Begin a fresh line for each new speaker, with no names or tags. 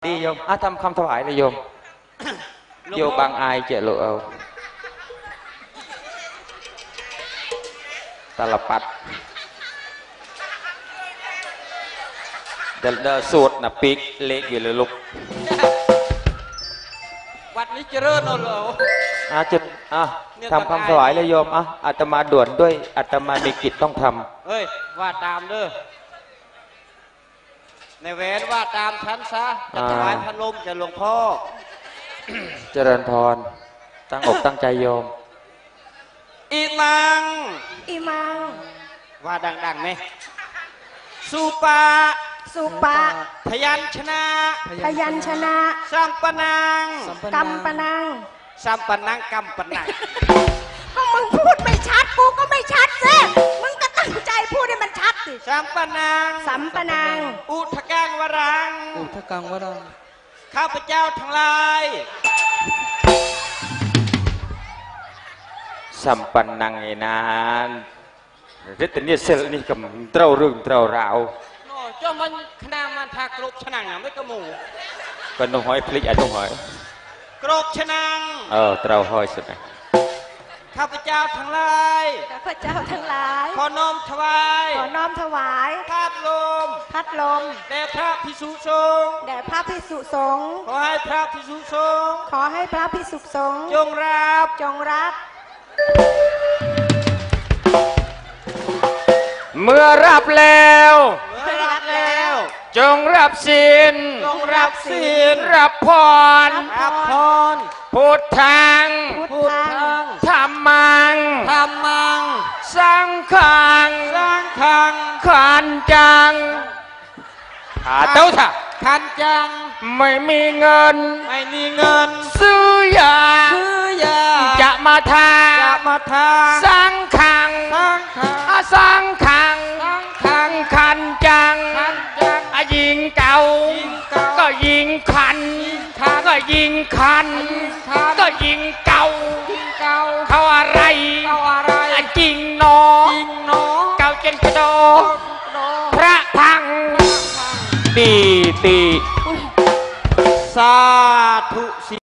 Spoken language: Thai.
ดีโยมทำคำถวายเลยโยมโยบางอายเจริญเอาตลปัดเดลสูตรนะปีกเล็กอยู่เลยลูก
วัดนี้เจริญเอาเลย
จุดทำคำถวายเลยโยมอาตมาด่วนด้วยอาตมามีกิจต้องทำ
เฮ้ยว่าตามเด้อในเวรว่าตามฉันซะจะถวายพัดลมแก่หลวงพ่อ
เจริญพรตั้งอกตั้งใจโยม
อีมังว่าดังๆไหมสุปาพยัญชนะสัมปนัง
กัมปนัง
ก็มึงพูดไม่ชัดกูก็ไม่ชัดสิมึงก็ตั้งใจพูดให้มันชัดสิ
สัมปนังอุทกังวรังข้าพเจ้าทั้งหลาย
สัมปันนังไอ้นานเรื่องนี้เสร็จนี่กับเต้าเรื่องเต้าราว
เจ้ามันขนาดมันทากรบฉนังไม่กระหมู
ก็ต้องหอยพลิกต้องหอย
กรบฉนัง
เต้าหอยสุดไหม
ข้าพเจ้าทั้งหลายขอน้อมถวายพัดลมแด่พระภิกษุสงฆ์ขอให้พระภิกษุสงฆ์จงรับ
เมื่อรับแล้วจงรับศีลรับพรพุทธังธัมมังสังฆังขันจังเต้าถ่ะ
ขันจัง
ไม่มีเงินซื้อยาจะมาทาสังขังขันจังยิงเก่าก็ยิงขันก็ยิงขันก็ยิงเก่าเขาอะไรจริงโนเก่าเจนกระโดพระพังตี
สาธุ